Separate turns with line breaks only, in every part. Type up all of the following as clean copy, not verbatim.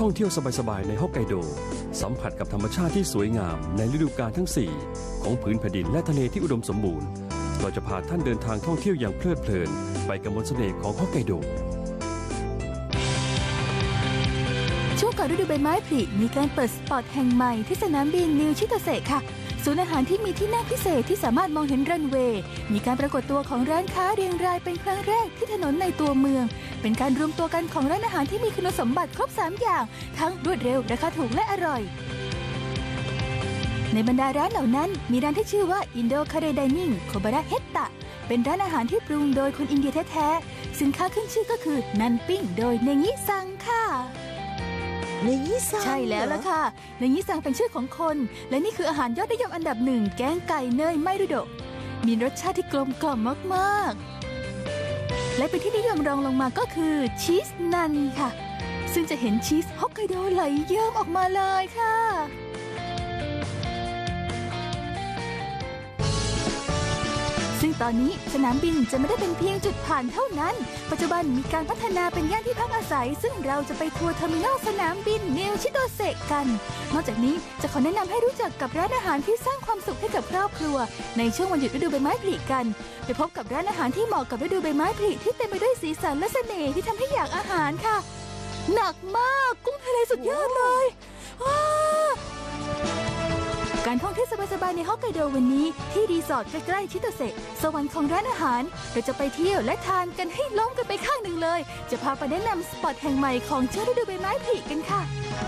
องเที่ยวสบายๆในฮอกไกโดสัมผัสกับธรรมชาติที่สวยงามในฤดูกาลทั้ง4ของผืนแผ่นดินและทะเลที่อุดมสมบูรณ์เราจะพาท่านเดินทางท่องเที่ยวอย่างเพลิดเพลินไปกับมนต์เสน่ห์ของฮอกไกโด
ช่วงก่อนฤดูใบไม้ผลิมีการเปิดสปอตแห่งใหม่ที่สนามบินนิวชิโตเซะค่ะศูนย์อาหารที่มีที่นั่งพิเศษที่สามารถมองเห็นรันเวย์มีการปรากฏตัวของร้านค้าเรียงรายเป็นครั้งแรกที่ถนนในตัวเมืองเป็นการรวมตัวกันของร้านอาหารที่มีคุณสมบัติครบ3อย่างทั้งรวดเร็วราคาถูกและอร่อยในบรรดาร้านเหล่านั้นมีร้านที่ชื่อว่าอินโดคาเรไดนิ่งโคบาระเฮตตะเป็นร้านอาหารที่ปรุงโดยคนอินเดียแท้ๆสินค้าขึ้นชื่อก็คือนันปิ้งโดยเนงิซังค่ะ
เนงิซัง
ใช่แล้วล่ะค่ะเนงิซังเป็นชื่อของคนและนี่คืออาหารยอดนิยมอันดับ1แกงไก่เนยไมรุโดะมีรสชาติที่กลมกล่อมมากๆและเป็นที่นิยมรองลงมาก็คือชีสนันค่ะซึ่งจะเห็นชีสฮอกไกโดไหลเยิ้มออกมาเลยค่ะซึ่งตอนนี้สนามบินจะไม่ได้เป็นเพียงจุดผ่านเท่านั้นปัจจุบันมีการพัฒนาเป็นย่านที่พักอาศัยซึ่งเราจะไปทัวร์เทอร์มินอลสนามบินนิวชิโตเซะกันนอกจากนี้จะขอแนะนำให้รู้จักกับร้านอาหารที่สร้างความสุขให้กับครอบครัวในช่วงวันหยุดฤดูใบไม้ผลิกันไปพบกับร้านอาหารที่เหมาะกับฤดูใบไม้ผลิที่เต็มไปด้วยสีสันและเสน่ห์ที่ทำให้อยากอาหารค่ะหนักมากกุ้งทะเลสุดยอดเลยการท่องเที่ยวสบายๆในฮอกไกโดวันนี้ที่รีสอร์ทใกล้ๆชิโตเซะสวรรค์ของร้านอาหารเราจะไปเที่ยวและทานกันให้ล้มกันไปข้างหนึ่งเลยจะพาไปแนะนำสปอตแห่งใหม่ของช่วงฤดูใบไม้ผลิกันค่ะ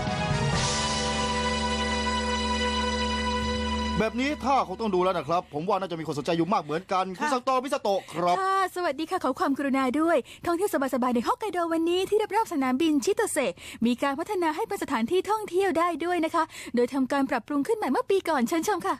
แบบนี้ถ้าคงต้องดูแล้วนะครับผมว่าน่าจะมีคนสนใจอยู่มากเหมือนกันคุณซังโตมิซาโตะครับ
ค่ะสวัสดีค่ะขอความกรุณาด้วยท่องเที่ยวสบายๆในฮอกไกโดวันนี้ที่รอบๆสนามบินชิโตเซะมีการพัฒนาให้เป็นสถานที่ท่องเที่ยวได้ด้วยนะคะโดยทำการปรับปรุงขึ้นใหม่เมื่อปีก่อนเชิญชมค่ะ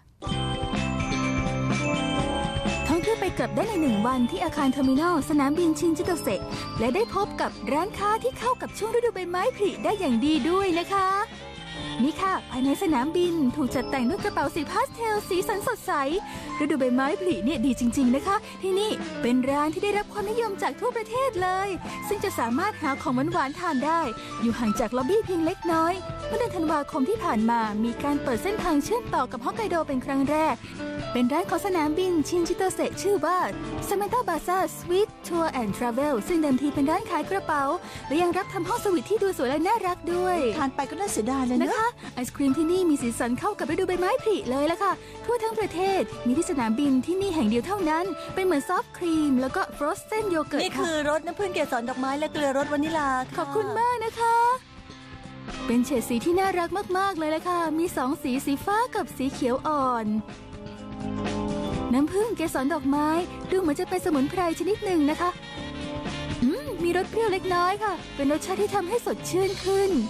ท่องเที่ยวไปกลับได้ใน1วันที่อาคารเทอร์มินอลสนามบินชินจิโตเซะและได้พบกับร้านค้าที่เข้ากับช่วงฤดูใบไม้ผลิได้อย่างดีด้วยนะคะนี่ค่ะภายในสนามบินถูกจัดแต่งด้วยกระเป๋าสีพาสเทลสีสันสดใสฤดูใบไม้ผลิเนี่ยดีจริงๆนะคะที่นี่เป็นร้านที่ได้รับความนิยมจากทั่วประเทศเลยซึ่งจะสามารถหาของหวานๆทานได้อยู่ห่างจากล็อบบี้เพียงเล็กน้อยเมื่อเดือนธันวาคมที่ผ่านมามีการเปิดเส้นทางเชื่อมต่อกับฮอกไกโดเป็นครั้งแรกเป็นร้านของสนามบินชินจิโตเซะชื่อว่า Samantha Baza Sweet Tour and Travel ซึ่งเดิมทีเป็นร้านขายกระเป๋าและยังรับทำห้องสวีทที่ดูสวยและน่ารักด้วย
ทานไปก็น่าเสียดายเลยนะคะ
ไอศครีมที่นี่มีสีสันเข้ากับฤดูใบไม้ผลิเลยล่ะค่ะทั่วทั้งประเทศมีที่สนามบินที่นี่แห่งเดียวเท่านั้นเป็นเหมือนซอฟต์ครีมแล้วก็ฟรอสเซนโยเกิร์ต
นี่คือรสน้ำผึ้งเกสรดอกไม้และเกลือรสวานิลา
ขอบคุณมากนะคะเป็นเฉดสีที่น่ารักมากๆเลยล่ะค่ะมี2สีสีฟ้ากับสีเขียวอ่อนน้ำผึ้งเกสรดอกไม้ดูเหมือนจะเป็นสมุนไพรชนิดหนึ่งนะคะมีรสเปรี้ยวเล็กน้อยค่ะเป็นรสชาติที่ทำให้สดชื่นขึ้น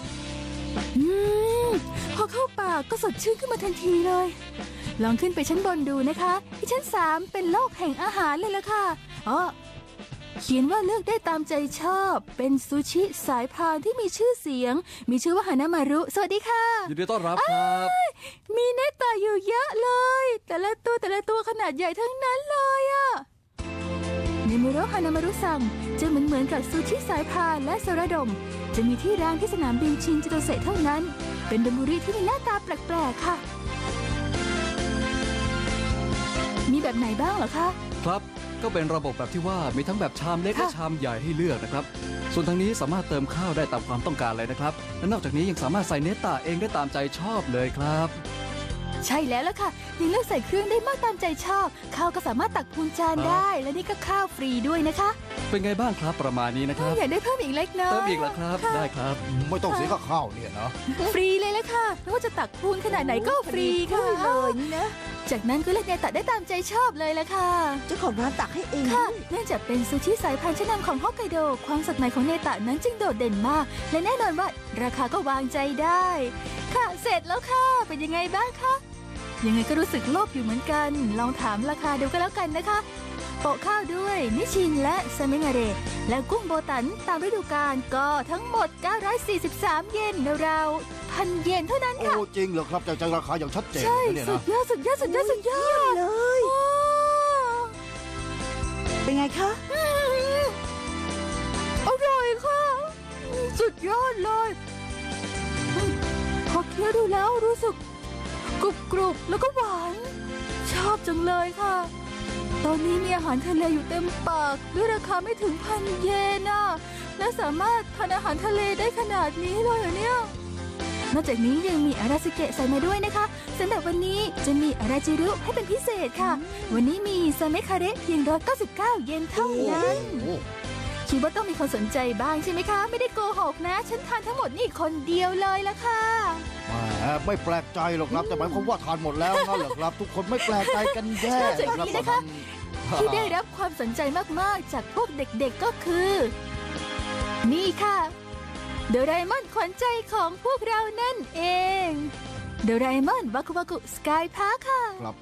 พอเข้าปากก็สดชื่นขึ้นมาทันทีเลยลองขึ้นไปชั้นบนดูนะคะที่ชั้น3เป็นโลกแห่งอาหารเลยล่ะค่ะเขียนว่าเลือกได้ตามใจชอบเป็นซูชิสายพานที่มีชื่อเสียงมีชื่อว่าฮานามารุสวัสดีค่ะ
ยินดีต้อนรับครับ
มีเนตตาอยู่เยอะเลยแต่ละตัวขนาดใหญ่ทั้งนั้นเลยอะเนมุโรฮานามารุซังจะเหมือนกับซูชิสายพานและโซราดมจะมีที่ร้านที่สนามบินชินจิโตเซะเท่านั้นเป็นดามุริที่มีหน้าตาแปลกๆค่ะมีแบบไหนบ้างเหรอคะ
ครับก็เป็นระบบแบบที่ว่ามีทั้งแบบชามเล็กและชามใหญ่ให้เลือกนะครับส่วนทางนี้สามารถเติมข้าวได้ตามความต้องการเลยนะครับและนอกจากนี้ยังสามารถใส่เนตตาเองได้ตามใจชอบเลยครับ
ใช่แล้วล่ะค่ะยังเลือกใส่เครื่องได้มากตามใจชอบข้าวก็สามารถตักพูนจานได้และนี่ก็ข้าวฟรีด้วยนะคะ
เป็นไงบ้างครับประมาณนี้นะครับ
อยากได้เพิ่มอีกเล็กน้อย
เติมอีกเหรอครับได้ครับ
ไม่ต้องเสียค่าข้าวเนี่ยนะ
ฟรีเลยละค่ะไม่ว่าจะตักพูนขนาดไหนก็ฟรีค่ะ
เลยนี่นะ
จากนั้นก็เลือกเนตตาได้ตามใจชอบเลยละค่ะ
เจ้าของร้านตักให้เอง
ค่ะเนื่องจากเป็นซูชิสายพันธุ์ชั้นนำของฮอกไกโดความสดใหม่ของเนตตานั้นจึงโดดเด่นมากและแน่นอนว่าราคาก็วางใจได้ค่ะเสร็จแล้วค่ะเป็นยังไงบ้างคะยังไงก็รู้สึกโลภอยู่เหมือนกันลองถามราคาดูก็แล้วกันนะคะโปะข้าวด้วยนิชินและซาเมงาเรและกุ้งโบตันตามฤดูกาลก็ทั้งหมด943 เยนราวๆ1,000 เยนเท่านั้นค่ะ
โอ้จริงเหรอครับจากราคาอย่างชัดเจน
ใช่
เนี่ยนะ
สุดยอด
เลยเป็นไงคะ
อร่อยค่ะสุดยอดเลยคี้ยวดูแล้วรู้สึกกรุบกรุบแล้วก็หวาน ชอบจังเลยค่ะ ตอนนี้มีอาหารทะเลอยู่เต็มปากด้วยราคาไม่ถึง1,000 เยนน่ะและสามารถทานอาหารทะเลได้ขนาดนี้เลยเหรอเนี่ย นอกจากนี้ยังมีอาราสึเกะใส่มาด้วยนะคะสำหรับวันนี้จะมีอาราจิรุให้เป็นพิเศษค่ะ วันนี้มีซาเมคาเระเพียง199 เยนเท่านั้น
โอ้
คิดว่าต้องมีคนสนใจบ้างใช่ไหมคะ ไม่ได้โกหกนะ ฉันทานทั้งหมดนี่คนเดียวเลยละค่ะ
แหมไม่แปลกใจหรอกครับแต่หมายความว่าทานหมดแล้วนั่นเหรอครับ ทุกคนไม่แปลกใจกันแย่
นอกจากนี้นะคะ ที่ได้รับความสนใจมากๆจากพวกเด็กๆก็คือ นี่ค่ะโดราเอมอนขวัญใจของพวกเรานั่นเองโดราเอมอนวาคุวากุสกายพาร์คค่ะ
ครับ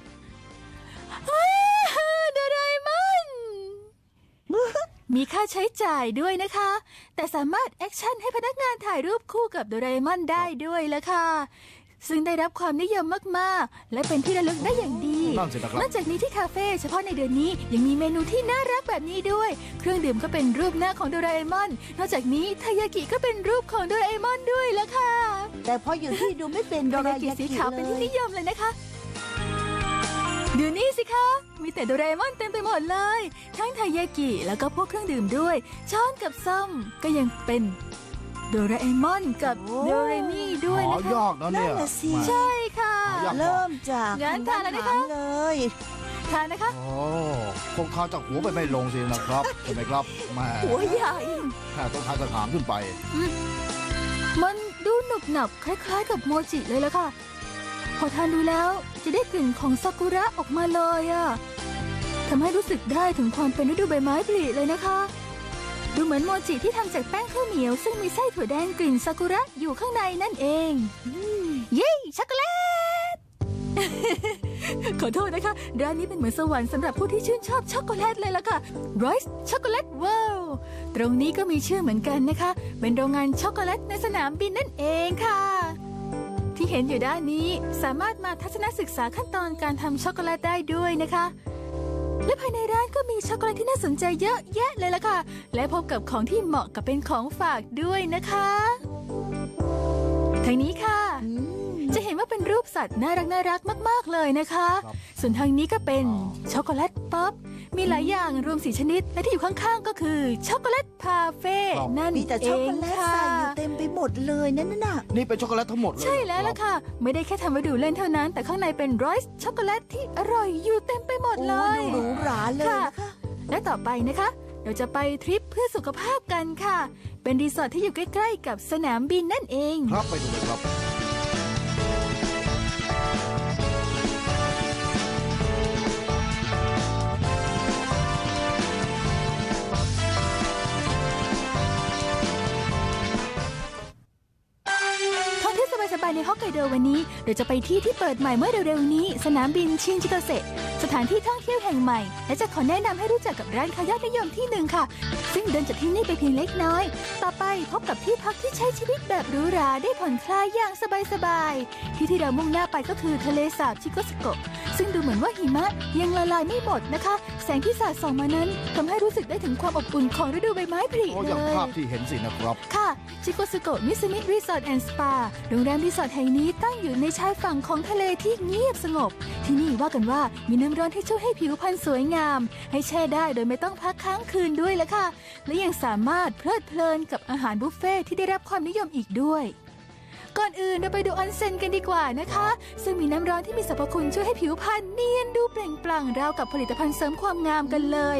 โดราเอมอน มีค่าใช้จ่ายด้วยนะคะ แต่สามารถแอคชั่นให้พนักงานถ่ายรูปคู่กับโดราเอมอนได้ด้วยละค่ะ ซึ่งได้รับความนิยมมากๆ และเป็นที่ระลึกได้อย่างดี
นั่นสินะครับ
นอกจากนี้ที่คาเฟ่เฉพาะในเดือนนี้ยังมีเมนูที่น่ารักแบบนี้ด้วย เครื่องดื่มก็เป็นรูปหน้าของโดราเอมอน นอกจากนี้ทายากิก็เป็นรูปของโดราเอมอนด้วยละค่ะ
แต่พออยู่ที่ดูไม่เป็นโดาย
ทาากิ
ยา
สี
กิ
ขาว
เล
เป็นที่
ย
นิยมเลยนะคะ ดูนี่สิคะ มีแต่โดราเอมอนเต็มไปหมดเลย ทั้งทายากิแล้วก็พวกเครื่องดื่มด้วย ช้อนกับซ่อมก็ยังเป็นโดราเอมอนกับโดเรมีด้วย
หา
นะคะ
ยากนะเนี่ย
นั่นน่ะสิ
แหม
ใช่ค่ะ
อยาก
เริ่มจาก
งั้นทานแล้วนะคะ
อาหารเลย
ทานนะคะ
โอ้คงทานจากหัวไปไม่ลงสินะครับใช่ไหมครับแหม
หัวใหญ่
แค่ต้องทานกระถางขึ้นไป
มันดูหนุบหนับคล้ายๆกับโมจิเลยละค่ะ พอทานดูแล้วจะได้กลิ่นของซากุระออกมาเลยอะทำให้รู้สึกได้ถึงความเป็นฤดูใบไม้ผลิเลยนะคะ ดูเหมือนโมจิที่ทำจากแป้งข้าวเหนียวซึ่งมีไส้ถั่วแดงกลิ่นซากุระอยู่ข้างในนั่นเองเย้ช็อกโกแลต ขอโทษนะคะ ร้านนี้เป็นเหมือนสวรรค์สำหรับผู้ที่ชื่นชอบช็อกโกแลตเลยล่ะค่ะ Royce Chocolate World ตรงนี้ก็มีชื่อเหมือนกันนะคะ เป็นโรงงานช็อกโกแลตในสนามบินนั่นเองค่ะ ที่เห็นอยู่ด้านนี้สามารถมาทัศนศึกษาขั้นตอนการทำช็อกโกแลตได้ด้วยนะคะ และภายในร้านก็มีช็อกโกแลตที่น่าสนใจเยอะแยะเลยล่ะค่ะ และพบกับของที่เหมาะกับเป็นของฝากด้วยนะคะทางนี้ค่ะ จะเห็นว่าเป็นรูปสัตว์น่ารักมากๆเลยนะคะ
ครับ
ส่วนทางนี้ก็เป็นช็อกโกแลตป๊อป มีหลายอย่างรวม4 ชนิด และที่อยู่ข้างๆก็คือช็อกโกแลตพาเฟ่นั่น
มีแต่
เอ
ช็อกโก
ง
แลต
ค่ะ
ใส่อยู่เต็มไปหมดเลยนั่นน่ะ
นี่เป็นช็อกโกแลตทั้งหมดเลย
ใช่แล้วล่ะค่ะ ไม่ได้แค่ทำไว้ดูเล่นเท่านั้น แต่ข้างในเป็นไรซ์ช็อกโกแลตที่อร่อยอยู่เต็มไปหมด
โอ้
เลย
ดูหรูหราเลยนะคะ
และต่อไปนะคะ เราจะไปทริปเพื่อสุขภาพกันค่ะ เป็นรีสอร์ทที่อยู่ใกล้ๆกับสนามบินนั่นเอง
ครับไปดูเลยครับ
ท่องเที่ยวสบายๆในฮอกไกโดวันนี้เราจะไปที่เปิดใหม่เมื่อเร็วๆนี้ สนามบินชินจิโตเซะสถานที่ท่องเที่ยวแห่งใหม่ และจะขอแนะนำให้รู้จักกับร้านค้ายอดนิยมที่หนึ่งค่ะ ซึ่งเดินจากที่นี่ไปเพียงเล็กน้อย ต่อไปพบกับที่พักที่ใช้ชีวิตแบบหรูหราได้ผ่อนคลายอย่างสบายๆที่เรามุ่งหน้าไปก็คือทะเลสาบชิโกสโกะซึ่งดูเหมือนว่าหิมะยังละลายไม่หมดนะคะ แสงที่สาดส่องมานั้นทำให้รู้สึกได้ถึงความอบอุ่นของฤดูใบไม้ผลิ
โอ้
เล
อย่าง
ย
ภาพที่เห็นสินะครับ
ค่ะชิโกสุโกะมิสมิรีสอร์ทแอนด์สปาโรงแรมรีสอร์ทแห่งนี้ตั้งอยู่ในชายฝั่งของทะเลที่เงียบสงบ ที่นี่ว่ากันว่ามีน้ำร้อนที่ช่วยให้ผิวพรรณสวยงาม ให้แช่ได้โดยไม่ต้องพักค้างคืนด้วยละค่ะ และยังสามารถเพลิดเพลินกับอาหารบุฟเฟ่ที่ได้รับความนิยมอีกด้วย ก่อนอื่นเราไปดูออนเซ็นกันดีกว่านะคะ ซึ่งมีน้ำร้อนที่มีสรรพคุณช่วยให้ผิวพรรณเนียนดูเปล่งปลั่งราวกับผลิตภัณฑ์เสริมความงามกันเลย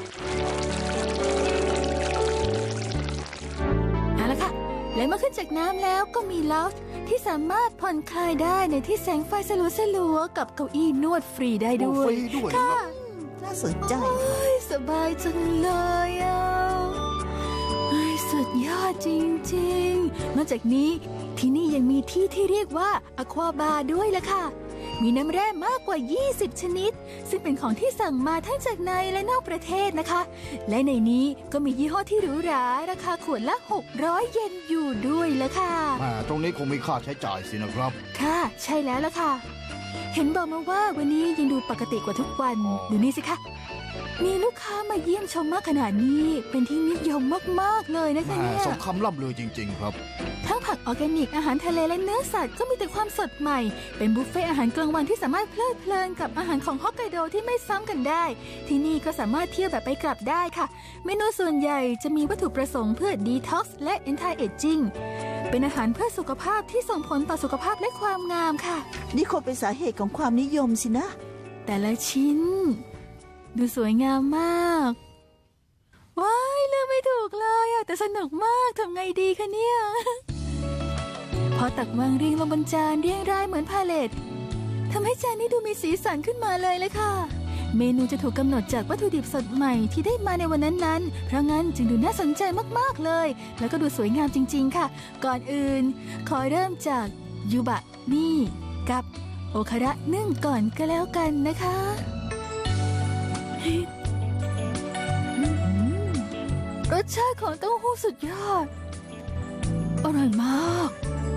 เอาละค่ะ และเมื่อขึ้นจากน้ำแล้วก็มีลาวจ์ที่สามารถผ่อนคลายได้ในที่แสงไฟสลัวๆกับเก้าอี้นวดฟรีได้ด้วย
ฟรีด้วย
ค่ะ
ครับ
น่าสนใจ
โอ้ยสบายจังเลยอ่ะเฮ้ยสุดยอดจริงๆ นอกจากนี้ที่นี่ยังมีที่ที่เรียกว่าอควาบาร์ด้วยล่ะค่ะ มีน้ำแร่มากกว่า 20 ชนิด ซึ่งเป็นของที่สั่งมาทั้งจากในและนอกประเทศนะคะ และในนี้ก็มียี่ห้อที่หรูหราราคาขวดละ 600 เยนอยู่ด้วยล่ะค่ะ
แหมตรงนี้คงมีค่าใช้จ่ายสินะครับ
ค่ะ ใช่แล้วล่ะค่ะ เห็นบอกมาว่าวันนี้ยังดูปกติกว่าทุกวัน
อ๋อ
ดูนี่สิคะมีลูกค้ามาเยี่ยมชมมากขนาดนี้เป็นที่นิยมมากๆเลยนะคะ
แหม่
เนี่ย
สมคำล่ำลือจริง ๆ ครับ
ทั้งผักออร์แกนิกอาหารทะเลและเนื้อสัตว์ก็มีแต่ความสดใหม่เป็นบุฟเฟ่ต์อาหารกลางวันที่สามารถเพลิดเพลินกับอาหารของฮอกไกโดที่ไม่ซ้ำกันได้ ที่นี่ก็สามารถเที่ยวแบบไปกลับได้ค่ะ เมนูส่วนใหญ่จะมีวัตถุประสงค์เพื่อดีท็อกซ์และ anti aging เป็นอาหารเพื่อสุขภาพที่ส่งผลต่อสุขภาพและความงามค่ะ
นี่คงเป็นสาเหตุของความนิยมสินะ
แต่ละชิ้น ดูสวยงามมากว้ายเลือกไม่ถูกเลยอะแต่สนุกมากทำไงดีคะเนี่ย พอตักวางเรียงลงบนจานเรียงรายเหมือนพาเลตทำให้จานนี้ดูมีสีสันขึ้นมาเลยค่ะ เมนูจะถูกกำหนดจากวัตถุดิบสดใหม่ที่ได้มาในวันนั้นๆเพราะงั้นจึงดูน่าสนใจมากๆเลย แล้วก็ดูสวยงามจริงๆค่ะ ก่อนอื่นขอเริ่มจากยูบะนี่กับโอคาระนึ่งก่อนก็แล้วกันนะคะรสชาติของเต้าหู้สุดยอดอร่อยมาก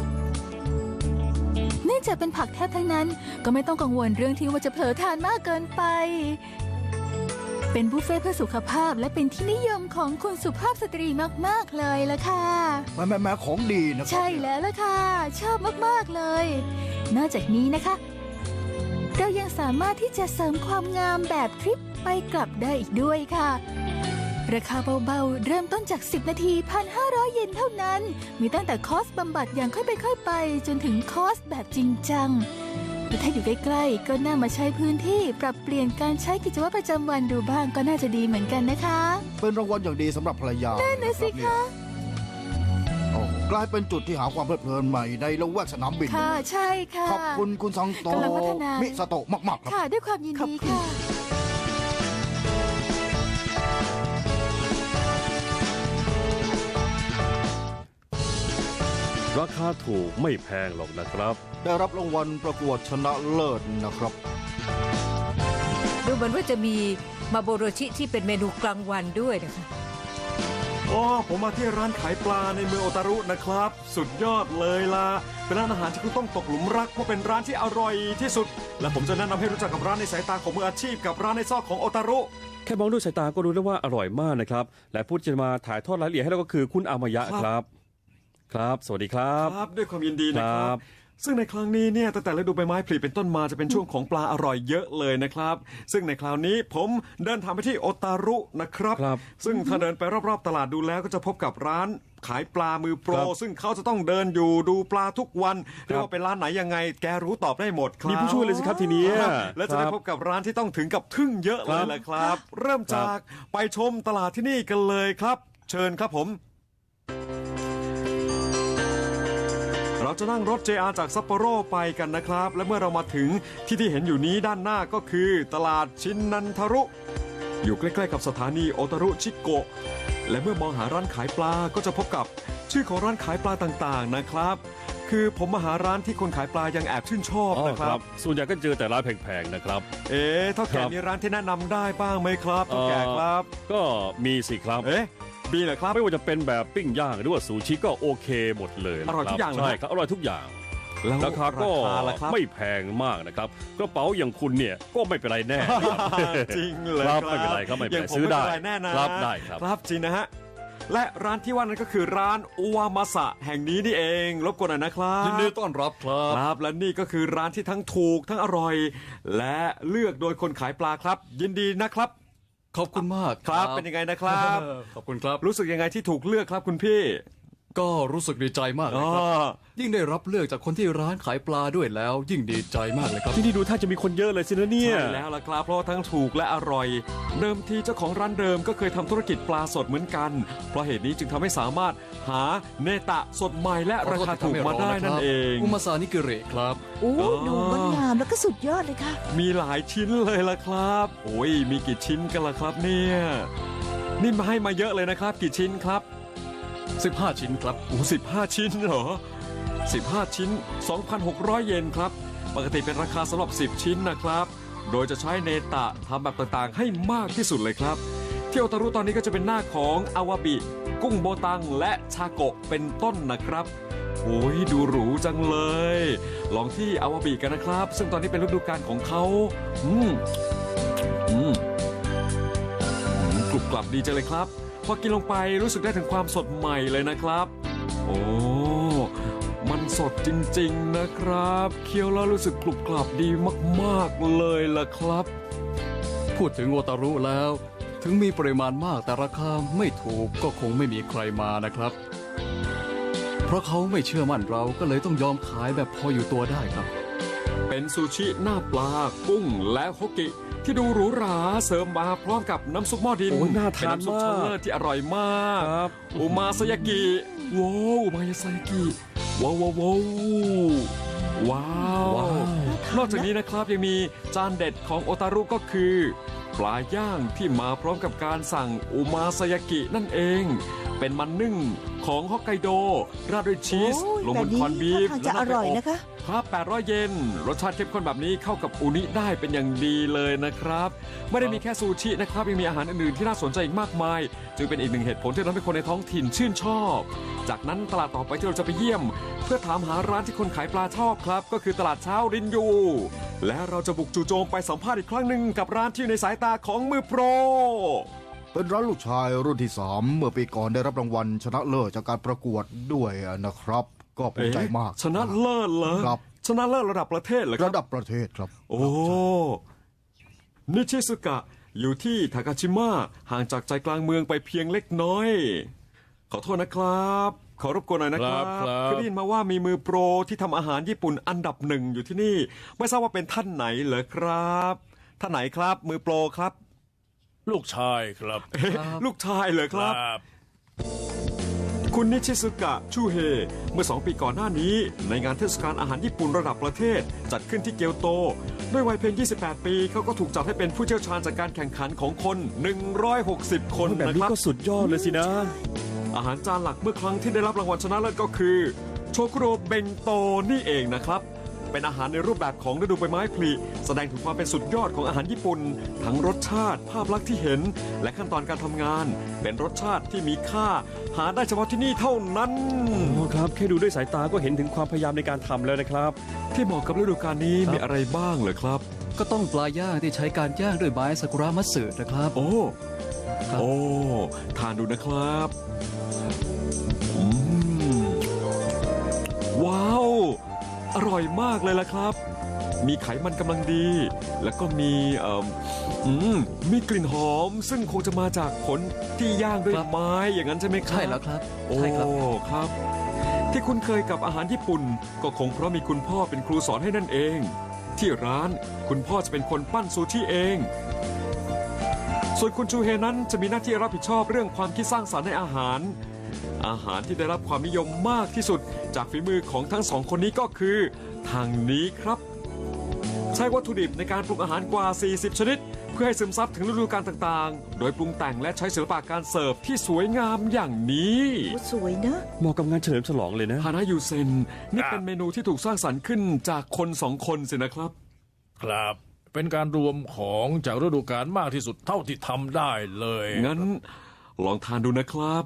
เนื่องจากเป็นผักแทบทั้งนั้นก็ไม่ต้องกังวลเรื่องที่ว่าจะเผลอทานมากเกินไปเป็นบุฟเฟ่ต์เพื่อสุขภาพและเป็นที่นิยมของคุณสุภาพสตรีมากๆเลยละค่ะ
แม่ของดีนะครับ
ใช่แล้วล่ะค่ะชอบมากๆเลยนอกจากนี้นะคะเรายังสามารถที่จะเสริมความงามแบบทริปไปกลับได้อีกด้วยค่ะราคาเบาๆเริ่มต้นจาก 10 นาที 1,500 เยนเท่านั้นมีตั้งแต่คอร์สบำบัดอย่างค่อยไปค่อยไปจนถึงคอร์สแบบจริงจังและถ้าอยู่ใกล้ๆก็น่ามาใช้พื้นที่ปรับเปลี่ยนการใช้กิจวัตรประจำวันดูบ้างก็น่าจะดีเหมือนกันนะคะ
เป็นรางวัลอย่างดีสำหรับภรรยา
นั่นนะสิคะ
โอ้กลายเป็นจุดที่หาความเพลิดเพลินใหม่ในละแวกสนามบิน
ค่ะใช่ค่ะ
ขอบคุณคุณซังโต
กำลังพัฒนามิ
มิสโตะมากๆครับ
ค่ะด้วยความยิน
ขอบ
ดี
คุณ
ค่ะ
ราคาถูกไม่แพงหรอกนะครับ
ได้รับรางวัลประกวดชนะเลิศนะครับ
ดูเหมือนว่าจะมีมาโบโรชิที่เป็นเมนูกลางวันด้วยนะคะ
อ๋อผมมาที่ร้านขายปลาในเมืองโอตารุนะครับ สุดยอดเลยล่ะเป็นร้านอาหารที่คุณต้องตกหลุมรักเพราะเป็นร้านที่อร่อยที่สุด และผมจะแนะนำให้รู้จักกับร้านในสายตาของมืออาชีพกับร้านในซอกของโอตารุ
แค่มองด้วยสายตาก็รู้แล้วว่าอร่อยมากนะครับ และผู้ที่จะมาถ่ายทอดรายละเอียดให้เราก็คือคุณอามายะครับ ครับ สวัสดีครับ
ครับด้วยความยินดีนะค
ครั
รับ
บ
ซึ่งในครั้งนี้เนี่ยตั้งแต่ฤดูใบไม้ผลิเป็นต้นมาจะเป็นช่วงของปลาอร่อยเยอะเลยนะครับ ซึ่งในคราวนี้ผมเดินทางไปที่โอตารุนะครับ
ครับ
ซึ่งถ้าเดินไปรอบๆตลาดดูแล้วก็จะพบกับร้านขายปลามือโปร
ครับ
ซึ่งเขาจะต้องเดินอยู่ดูปลาทุกวันเรียกว่าเป็นร้านไหนยังไง แกรู้ตอบได้หมดครับ
มีผู้ช่วยเลยสิครับทีนี้
ครับและจะได้
ครับ
พบกับร้านที่ต้องถึงกับทึ่งเยอะเลยแหละครับ เริ่มจากไปชมตลาดที่นี่กันเลยครับ เชิญครับผม เราจะนั่งรถ JR จากซัปโปโรไปกันนะครับ และเมื่อเรามาถึงที่เห็นอยู่นี้ด้านหน้าก็คือตลาดชินนันทารุ อยู่ใกล้ๆกับสถานีโอตารุชิโกะและเมื่อมองหาร้านขายปลาก็จะพบกับชื่อของร้านขายปลาต่างๆนะครับ คือผมมาหาร้านที่คนขายปลายังแอบชื่นชอบ
อ๋อ
นะค
ค
รั
รับ บ ส่วนใหญ่ก็เจอแต่ร้านแพงๆนะครับ
เท่าแก่
ครับ
มีร้านที่แนะนำได้บ้างไหมครับเท่าแก่ครับ
ก็มีสิครับ
มีเหรอครับ
ไม่ว่าจะเป็นแบบปิ้งย่างหรือว่าซูชิก็โอเคหมดเลย
อร่อยทุกอย่างเลย
ใช่ครับอร่อยทุกอย่าง
แล้ว
ราคาก็
ล่ะครับ
ไม่แพงมากนะครับกระเป๋าอย่างคุณเนี่ยก็ไม่เป็นไรแน่
จริงเลย
ครับไม่เป็นไรครับไม่เป็นไร
ย่างผ
ซื้อได้
ม่เป็นรแน่นะครับ
ได้ครับ
ครับจริงนะฮะและร้านที่ว่านั้นก็คือร้านอุวามาสะแห่งนี้นี่เองรบกวนหน่อยนะครับ
ยินดีต้อนรับครับ
ครับและนี่ก็คือร้านที่ทั้งถูกทั้งอร่อย และเลือกโดยคนขายปลาครับ ยินดีนะครับ
ขอบคุณมาก
ครับเป็นยังไงนะครับ
ขอบคุณครับ
รู้สึกยังไงที่ถูกเลือกครับคุณพี่
ก็รู้สึกดีใจมากเลยครับ ยิ่งได้รับเลือกจากคนที่ร้านขายปลาด้วยแล้ว ยิ่งดีใจมากเลยครับ
ที่นี่ดูท่าจะมีคนเยอะเลยสินะเนี่ย
ใช่แล้วล่ะครับเพราะว่าทั้งถูกและอร่อย เดิมทีเจ้าของร้านเดิมก็เคยทำธุรกิจปลาสดเหมือนกัน เพราะเหตุนี้จึงทำให้สามารถหาเนตะสดใหม่และราคาถูกมาได้นั่นเอง
อุมาซานิกิเรครับ
โอ้
อ๋อ
ดูงดงามแล้วก็สุดยอดเลยค่ะ
มีหลายชิ้นเลยล่ะครับ โอ้ยมีกี่ชิ้นกันล่ะครับเนี่ยนี่มาให้มาเยอะเลยนะครับ กี่ชิ้นครับ
15 ชิ้นครับ
โอ้15 ชิ้นเหรอ15 ชิ้น 2,600 เยนครับปกติเป็นราคาสำหรับ10 ชิ้นนะครับ โดยจะใช้เนตะทำแบบต่างๆ ให้มากที่สุดเลยครับที่โอตารุตอนนี้ก็จะเป็นหน้าของอาวาบิ กุ้งโบตังและชาโกะเป็นต้นนะครับโอ้ยดูหรูจังเลย ลองที่อาวาบิกันนะครับ ซึ่งตอนนี้เป็นฤดูกาลของเขาอืมรุบกรับดีจังเลยครับพอกินลงไปรู้สึกได้ถึงความสดใหม่เลยนะครับโอ้มันสดจริงๆนะครับเคี้ยวแล้วรู้สึกกรุบกรับดีมากๆเลยล่ะครับ
พูดถึงโอตารุแล้ว ถึงมีปริมาณมากแต่ราคาไม่ถูกก็คงไม่มีใครมานะครับ เพราะเขาไม่เชื่อมั่นเราก็เลยต้องยอมขายแบบพออยู่ตัวได้ครับ
เป็นซูชิหน้าปลากุ้งและโฮกิที่ดูหรูหราเสริมมาพร้อมกับน้ำซุปหม้อดิน
โอ้ยน่าทาน
เป็นน้ำซุป
มาก
ชั้นเลิศที่อร่อยมาก
ครับ
อุมาซายากิว้าวอุมาซายากิว้าวว้าวว้าวว้าวนอกจากนี้นะครับยังมีจานเด็ดของโอตารุก็คือปลาย่างที่มาพร้อมกับการสั่งอุมาซายากินั่นเอง เป็นมันนึ่งของฮอกไกโดราดด้วยชีส
โอ้ย
ลงบน
แบบนี้
คอนบีฟ
ท่าทางจะอร่อยนะคะ
ครับ800 เยนรสชาติเข้มข้นแบบนี้เข้ากับอูนิได้เป็นอย่างดีเลยนะครับไม่ได้มีแค่ซูชินะครับยังมีอาหารอื่นๆที่น่าสนใจอีกมากมายจึงเป็นอีกหนึ่งเหตุผลที่ทำให้คนในท้องถิ่นชื่นชอบจากนั้นตลาดต่อไปที่เราจะไปเยี่ยม เพื่อถามหาร้านที่คนขายปลาชอบครับก็คือตลาดเช้ารินยูและเราจะบุกจู่โจมไปสัมภาษณ์อีกครั้งหนึ่งกับร้านที่อยู่ในสายตาของมือโปร
เป็นร้านลูกชายรุ่นที่ 3 เมื่อปีก่อนได้รับรางวัลชนะเลิศจากการประกวดด้วยนะครับ ก็ภูมิใจมาก
ชนะเลิศเหรอ
ครับ
ชนะเลิศระดับประเทศเหรอครับ
ระดับประเทศครับ
โอ้นิชิสุกะอยู่ที่ทากาชิมะห่างจากใจกลางเมืองไปเพียงเล็กน้อย ขอโทษนะครับ ขอรบกวนหน่อยนะครับ
ครับ
คือได้ยินมาว่ามีมือโปรที่ทำอาหารญี่ปุ่นอันดับหนึ่งอยู่ที่นี่ ไม่ทราบว่าเป็นท่านไหนเหรอครับท่านไหนครับ มือโปรครับ
ลูกชายครับ
เอ๊ะลูกชายเหรอครับ คุณนิชิสุกะชูเฮเมื่อ2 ปีก่อนหน้านี้ ในงานเทศกาลอาหารญี่ปุ่นระดับประเทศ จัดขึ้นที่เกียวโต ด้วยวัยเพียง 28 ปีเขาก็ถูกจัดให้เป็นผู้เชี่ยวชาญจากการแข่งขันของคน 160 คน
แบบ
นะ
นี้
ครับ
ก็สุดยอดเลยสินะ
อาหารจานหลักเมื่อครั้งที่ได้รับรางวัลชนะเลิศก็คือ โชคุโรเบงโตนี่เองนะครับ เป็นอาหารในรูปแบบของฤดูใบไม้ผลิแสดงถึงความเป็นสุดยอดของอาหารญี่ปุ่น ทั้งรสชาติภาพลักษณ์ที่เห็น และขั้นตอนการทำงาน เป็นรสชาติที่มีค่า หาได้เฉพาะที่นี่เท่านั้น
โอ้ครับแค่ดูด้วยสายตาก็เห็นถึงความพยายามในการทำแล้วนะครับ
ที่เหมาะกับฤดูกาลนี้มีอะไรบ้างเหรอครับ
ก็ต้องปลาย่างที่ใช้การย่างด้วยไม้ซากุระมัตสึนะครับ
โอ้
ครับ
โอ้ ทานดูนะครับอืมว้าว อร่อยมากเลยล่ะครับ มีไขมันกำลังดี แล้วก็มีมีกลิ่นหอม ซึ่งคงจะมาจากผลที่ย่างด้วยไม้อย่างนั้นใช่ไหมครับ
ใช่แล้วครับ
โอ้
ใช่ครับ
ครับ ที่คุ้นเคยกับอาหารญี่ปุ่น ก็คงเพราะมีคุณพ่อเป็นครูสอนให้นั่นเอง ที่ร้านคุณพ่อจะเป็นคนปั้นซูชิเอง ส่วนคุณชูเฮนั้นจะมีหน้าที่รับผิดชอบเรื่องความคิดสร้างสรรค์ในอาหาร อาหารที่ได้รับความนิยมมากที่สุดจากฝีมือของทั้งสองคนนี้ก็คือทางนี้ครับ ใช้วัตถุดิบในการปรุงอาหารกว่า 40 ชนิด เพื่อให้ซึมซับถึงฤดูกาลต่างๆ โดยปรุงแต่งและใช้ศิลปะการเสิร์ฟที่สวยงามอย่างนี้
โอ้สวยนะ
เหมาะกับงานเฉลิมฉลองเลยนะ
ฮานายูเซนนี่เป็นเมนูที่ถูกสร้างสรรค์ขึ้นจากคนสองคนสินะครับ
ครับ เป็นการรวมของจากฤดูกาลมากที่สุดเท่าที่ทำได้เลย
งั้นลองทานดูนะครับ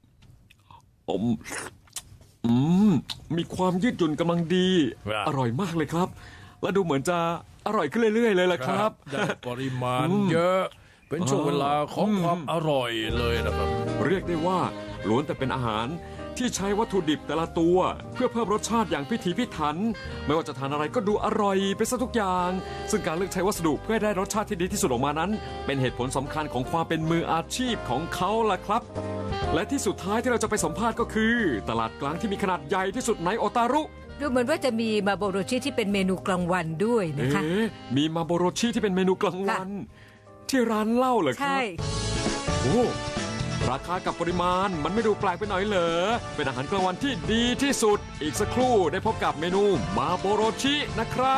มีความยืดหยุ่นกำลังดี อร่อยมากเลยครับ และดูเหมือนจะอร่อยขึ้นเรื่อยๆเลยล่ะครับ
ได้ปริมาณเยอะ เป็นช่วงเวลาของความอร่อยเลยนะครับ
เรียกได้ว่าล้วนแต่เป็นอาหารที่ใช้วัตถุดิบแต่ละตัว เพื่อเพิ่มรสชาติอย่างพิถีพิถัน ไม่ว่าจะทานอะไรก็ดูอร่อยไปซะทุกอย่าง ซึ่งการเลือกใช้วัสดุเพื่อให้ได้รสชาติที่ดีที่สุดออกมานั้น เป็นเหตุผลสำคัญของความเป็นมืออาชีพของเขาล่ะครับ และที่สุดท้ายที่เราจะไปสัมภาษณ์ก็คือ ตลาดกลางที่มีขนาดใหญ่ที่สุดในโอตารุ
ดูเหมือนว่าจะมีมาโบโรชิที่เป็นเมนูกลางวันด้วยนะคะ
มีมาโบโรชิที่เป็นเมนูกลางวัน ที่ร้านเหล้าเหรอครั
ใช่
โอ้ราคากับปริมาณมันไม่ดูแปลกไปหน่อยเหรอเป็นอาหารกลางวันที่ดีที่สุดอีกสักครู่ได้พบกับเมนูมาโบโรชินะครับ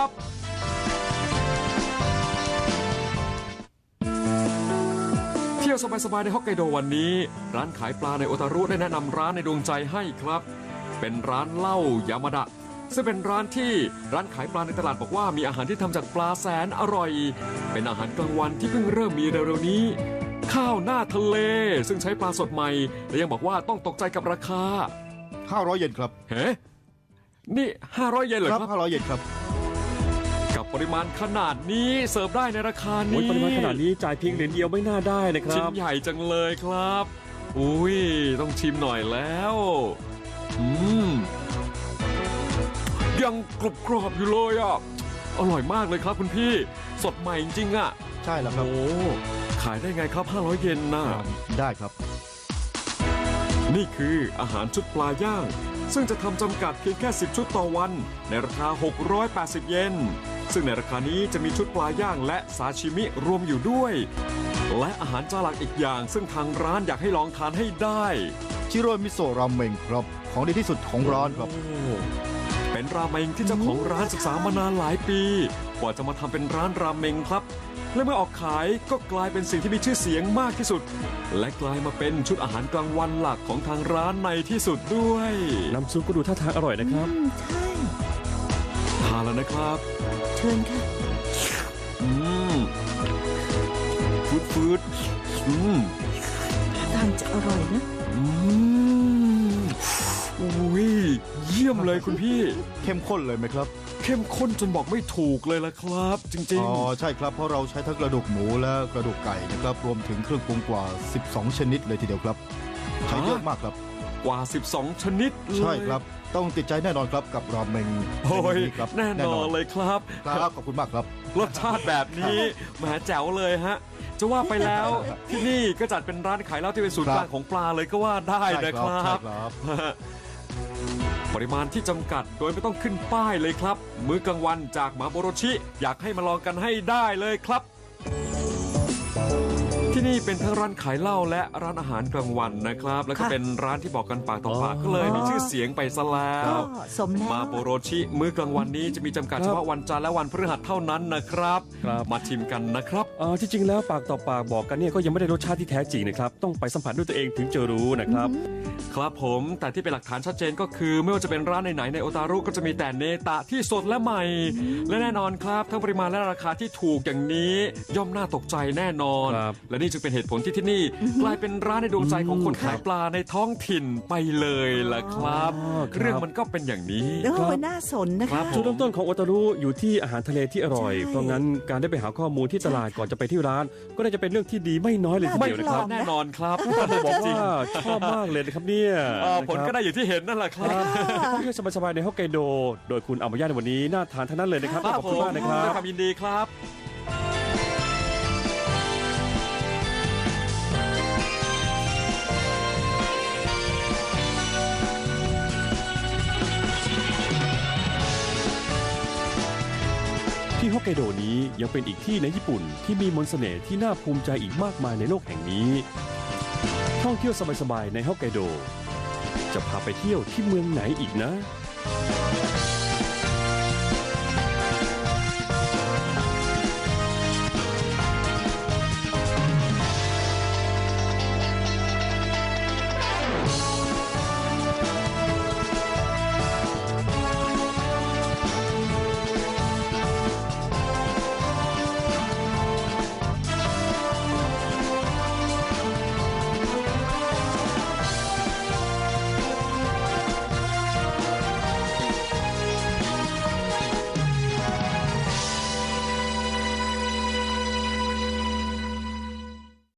เที่ยวสบายๆในฮอกไกโดวันนี้ ร้านขายปลาในโอตารุได้แนะนำร้านในดวงใจให้ครับ เป็นร้านเหล้ายามาดะซึ่งเป็นร้านที่ร้านขายปลาในตลาดบอกว่ามีอาหารที่ทำจากปลาแสนอร่อย เป็นอาหารกลางวันที่เพิ่งเริ่มมีเร็วๆนี้ ข้าวหน้าทะเลซึ่งใช้ปลาสดใหม่และยังบอกว่าต้องตกใจกับราคา
500 เยนครับ
เฮ้นี่500 เยนเหรอครับ
500 เยนครับ
กับปริมาณขนาดนี้เสิร์ฟได้ในราคา
โอ้ย
นี้
ปริมาณขนาดนี้จ่ายเพียงเหรียญเดียวไม่น่าได้นะค
ชิ้
รั
น
บ
ใหญ่จังเลยครับอุ้ยต้องชิมหน่อยแล้วยังกรุบกรอบอยู่เลยอ่ะอร่อยมากเลยครับคุณพี่สดใหม่จริงๆอ่ะ
ใช่แล้วครับ
โอ้ขายได้ไงครับ500 เยนน่ะ
ได้ครับ
นี่คืออาหารชุดปลาย่าง ซึ่งจะทำจำกัดเพียงแค่10 ชุดต่อวัน ในราคา680 เยนซึ่งในราคานี้จะมีชุดปลาย่างและซาชิมิรวมอยู่ด้วย และอาหารจานหลักอีกอย่าง ซึ่งทางร้านอยากให้ลองทานให้ได้
ชิโร่มิโซะราเมงครับ ของดีที่สุดของร้านครับ
โอ้เป็นราเมงที่เจ้าของร้านศึกษามานานหลายปี กว่าจะมาทำเป็นร้านราเมงครับ และเมื่อออกขายก็กลายเป็นสิ่งที่มีชื่อเสียงมากที่สุด และกลายมาเป็นชุดอาหารกลางวันหลักของทางร้านในที่สุดด้วย
น้ำซุปก็ดูท่าทางอร่อยนะครับ
ใช่
ทานแล้วนะครับ
เชิญค่ะ
อืมฟืด
ทางจะอร่อยนะ
อุ้ยเยี่ยมเลยคุณพี่
เข้มข้นเลยไหมครับ
เข้มข้นจนบอกไม่ถูกเลยละครับ จริง
อ๋อใช่ครับเพราะเราใช้ทั้งกระดูกหมูและกระดูกไก่นะครับรวมถึงเครื่องปรุงกว่า 12 ชนิดเลยทีเดียวครับ ใช้เยอะมากครับ
ๆ กว่า 12 ชนิดเลย
ใช่ครับ ต้องติดใจแน่นอนครับกับราเมง
โอ้ย
ครับ
แน่นอนเลยครับ
ครับขอบคุณมากครับ
รสชาติแบบนี้แหมแจ๋วเลยฮะ จะว่าไปแล้ว ที่นี่ก็จัดเป็นร้านขายเหล้าที่เป็นศูนย์
ครับ
กลางของปลาเลยก็ว่าได้นะครั
ใช่
บ
ครับ
ปริมาณที่จำกัดโดยไม่ต้องขึ้นป้ายเลยครับ มื้อกลางวันจากหมาโบโรชิ อยากให้มาลองกันให้ได้เลยครับ ที่นี่เป็นทั้งร้านขายเหล้าและร้านอาหารกลางวันนะครับ แล้วก็
ค่ะ
เป็นร้านที่บอกกันปากต่อปาก
อ๋อ
ก็เลยมีชื่อเสียงไปซะแล้
ก็
ว
สมแล้ว
มาโบโรชิ มื้อกลางวันนี้จะมีจำกัด
ครับ
เฉพาะวันจันทร์และวันพฤหัสเท่านั้นนะครับ
ครับ
มาชิมกันนะครับ
ที่จริงแล้วปากต่อปากบอกกันเนี่ยก็ยังไม่ได้รสชาติที่แท้จริงนะครับ ต้องไปสัมผัสด้วยตัวเองถึงจะรู้นะครับ
ครับผมแต่ที่เป็นหลักฐานชัดเจนก็คือ ไม่ว่าจะเป็นร้านไหนๆในโอตารุก็จะมีแต่เนตะที่สดและใหม่ และแน่นอนครับทั้งปริมาณและราคาที่ถูกอย่างนี้ ย่อมน่าตกใจแน่นอน
ครับ
และนี่จึงเป็นเหตุผลที่ที่นี่ กลายเป็นร้านในดวงใจของคนขายปลาในท้องถิ่นไปเลยล่ะครับ
อ๋อครับ
เรื่องมันก็เป็นอย่างนี้
แล้วมันน่าสนนะ
ครั
คะ
บ
จุดเริ่มต้นของโอตารุอยู่ที่อาหารทะเลที่อร่อย
ใช่
เพราะงั้นการได้ไปหาข้อมูลที่ตลาดก่อนจะไปที่ร้าน ก็น่าจะเป็นเรื่องที่ดีไม่น้อยเลยที
ไม่
เดียวนะ
พ
ค
ลา
รั
ด
บ
แน่นอนครับ
ต้องบอก
จริง
ว่าชอบมากเลยนะครับเนี่ย
ผลก็ได้อย่างที่เห็นนั่นแหละค
ค
รั
รับ บเที่ยวสบายๆในฮอกไกโด โดยคุณอามายาในวันนี้น่าทานทั้งนั้นเลยนะครับ
ครั
ขอบคุณมากนะครั
ด้วย
บ
ความยินดีครับ
ที่ฮอกไกโดนี้ยังเป็นอีกที่ในญี่ปุ่นที่มีมนต์เสน่ห์ที่น่าภูมิใจอีกมากมายในโลกแห่งนี้ ท่องเที่ยวสบายๆในฮอกไกโด จะพาไปเที่ยวที่เมืองไหนอีกนะ